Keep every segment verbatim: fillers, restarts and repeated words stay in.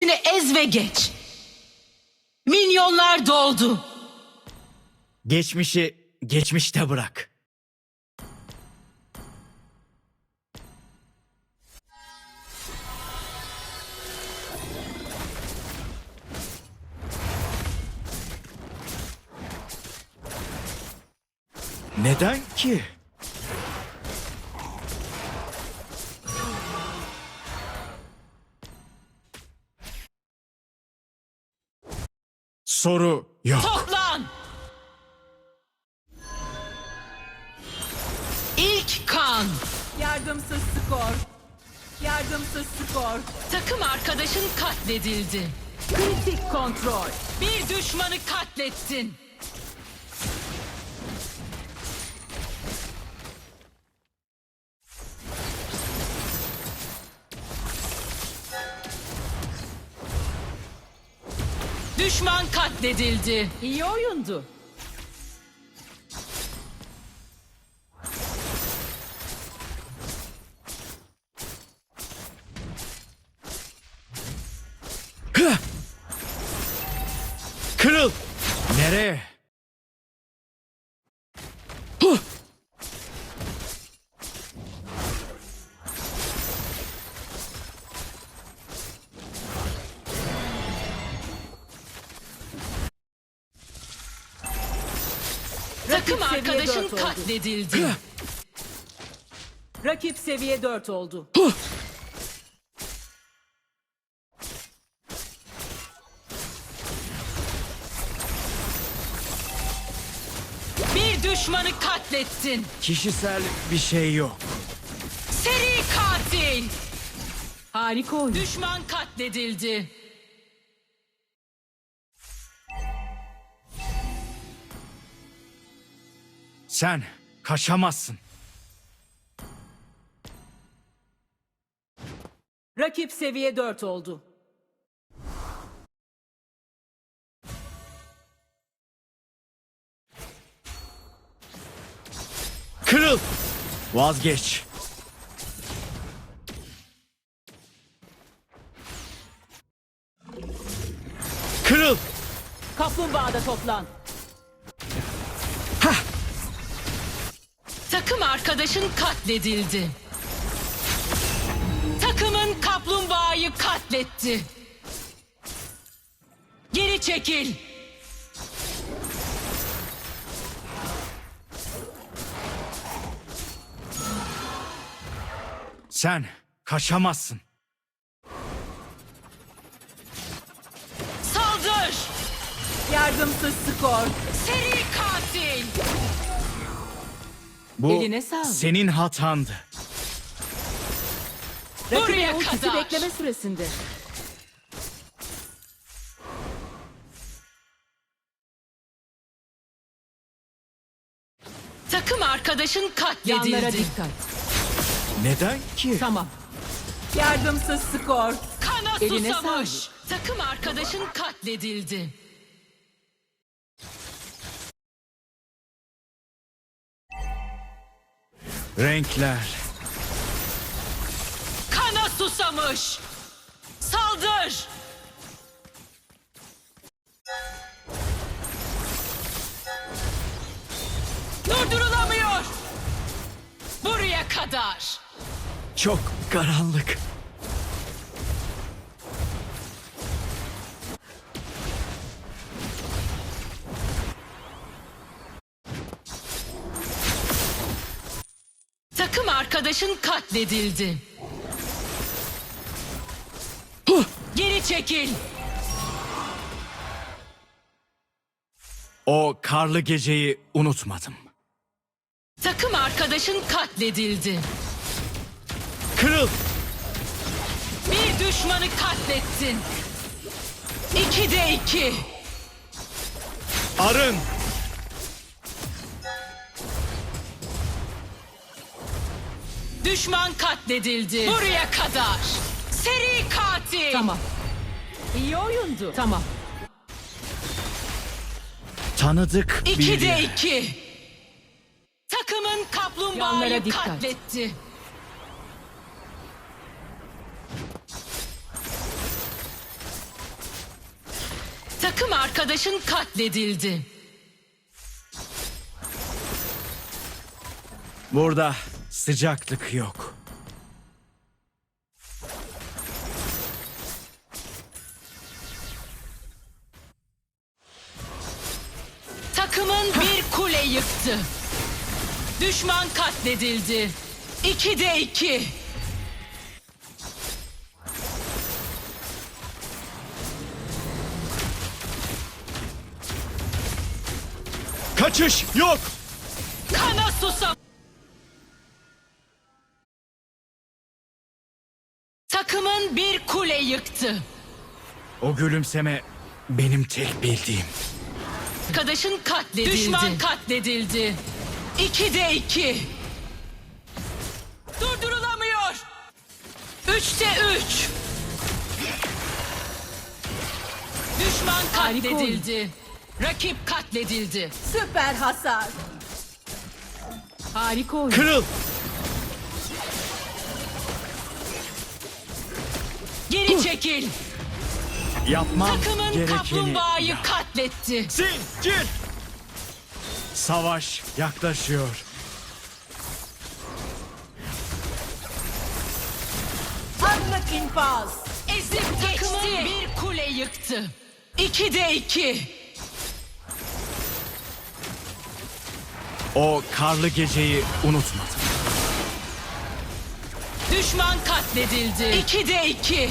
Ez ve geç. Minyonlar doldu. Geçmişi geçmişte bırak. Neden ki? Soru yok. Toplan. İlk kan. Yardımsız skor. Yardımsız skor. Takım arkadaşın katledildi. Kritik kontrol. Bir düşmanı katlettin. Düşman katledildi. İyi oyundu. Kırıl! Nereye? Huh! Takım seviye arkadaşın dört oldu. katledildi. Rakip seviye dört oldu. Huh! Bir düşmanı katlettin. Kişisel bir şey yok. Seri katil. Harika oyun. Düşman katledildi. Sen kaçamazsın. Rakip seviye dört oldu. Kırıl! Vazgeç. Kırıl! Kaplumbağada toplan. Takım arkadaşın katledildi. Takımın kaplumbağayı katletti. Geri çekil. Sen kaçamazsın. Saldır. Yardımsız skor. Seri katil. Bu Eline sağlık. senin hatandı. Buraya Rakibin ultisi kadar. bekleme süresinde. Takım arkadaşın Yanlara katledildi. dikkat. Neden ki? Tamam. Yardımsız skor. Kana Eline susamış. sağlık. Takım arkadaşın katledildi. Renkler. Kana susamış. Saldır. Durdurulamıyor. Buraya kadar. Çok karanlık. Takım arkadaşın katledildi. Huh! Geri çekil. O karlı geceyi unutmadım. Takım arkadaşın katledildi. Kırıl! Bir düşmanı katlettin. İkide iki. Arın! Düşman katledildi. Buraya kadar. Seri katil. Tamam. İyi oyundu. Tamam. Tanıdık İkide biri. iki. Takımın kaplumbağayı Yanlara dikkat. katletti. Takım arkadaşın katledildi. Burada sıcaklık yok. Takımın bir kule yıktı. Düşman katledildi. İkide iki. Kaçış yok. Kana susam. Takımın bir kule yıktı. O gülümseme benim tek bildiğim. Arkadaşın katledildi. Düşman katledildi. İkide iki. Durdurulamıyor. Üçte üç. Düşman Harika oyun. katledildi. Rakip katledildi. Süper hasar. Harika oyun. Kırıl. Geri çekil. Yapmam Takımın gerekeni kaplumbağayı yap. katletti. Zincir. Savaş yaklaşıyor. Anlık infaz. Ezip takımın bir kule yıktı. İkide iki. O karlı geceyi unutmadım. Düşman katledildi. İkide iki.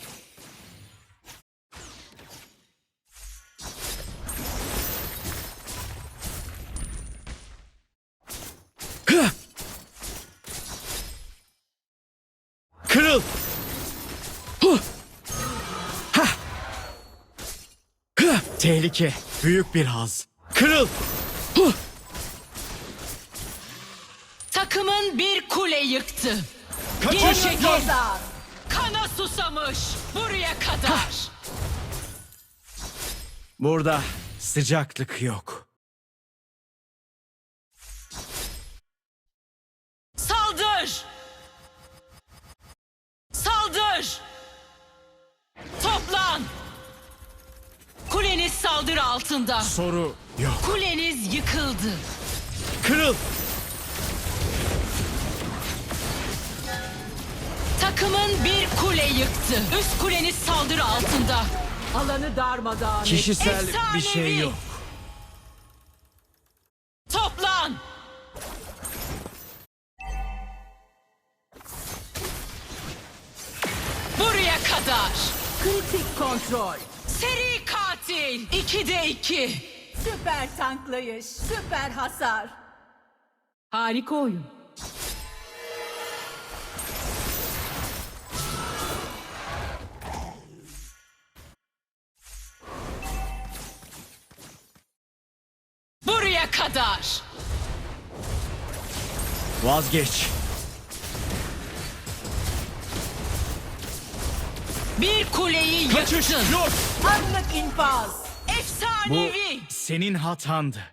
Kırıl. Huh. Hah. Hah. Tehlike. Büyük bir haz. Kırıl. Huh. Takımın bir kule yıktı. Kaçış Geri çekil. yok. Hasar. Kana susamış. Buraya kadar. Burada sıcaklık yok. Saldır. Saldır. Toplan. Kuleniz saldırı altında. Soru yok. Kuleniz yıkıldı. Kırıl. Takımın bir kule yıktı. Üst kuleniz saldırı altında. Alanı darmadağın. Kişisel bir Efsanevi. şey yok. Toplan. Buraya kadar. Kritik kontrol. Seri katil. İkide iki. Süper tanklayış. Süper hasar. Harika oyun. Buraya kadar. Vazgeç. Bir kuleyi Kaçış yıktın. yok. Anlık infaz. Bu Efsanevi. senin hatandı.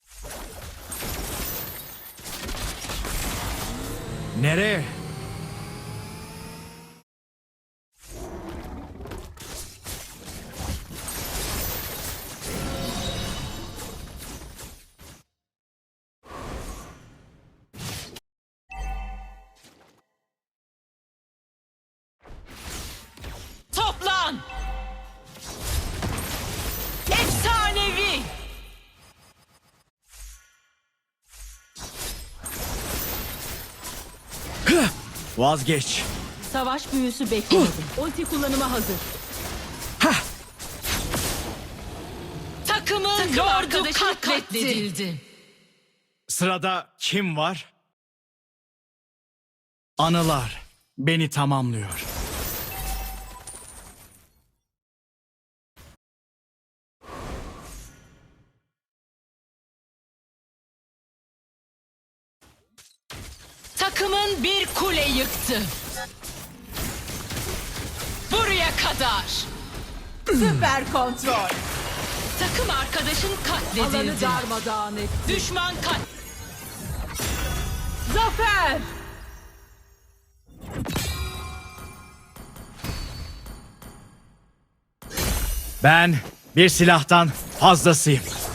Nereye? Toplan. Efsanevi. Vazgeç. Savaş büyüsü beklemedim. Ulti kullanıma hazır. Hah. Takımın Takım lordu arkadaşı katledildi. Sırada kim var? Anılar beni tamamlıyor. Takımın bir kule yıktı. Buraya kadar. Süper kontrol. Takım arkadaşın Alanı katledildi. darmadağın et. Düşman kat... Zafer. Ben Bir silahtan fazlasıyım.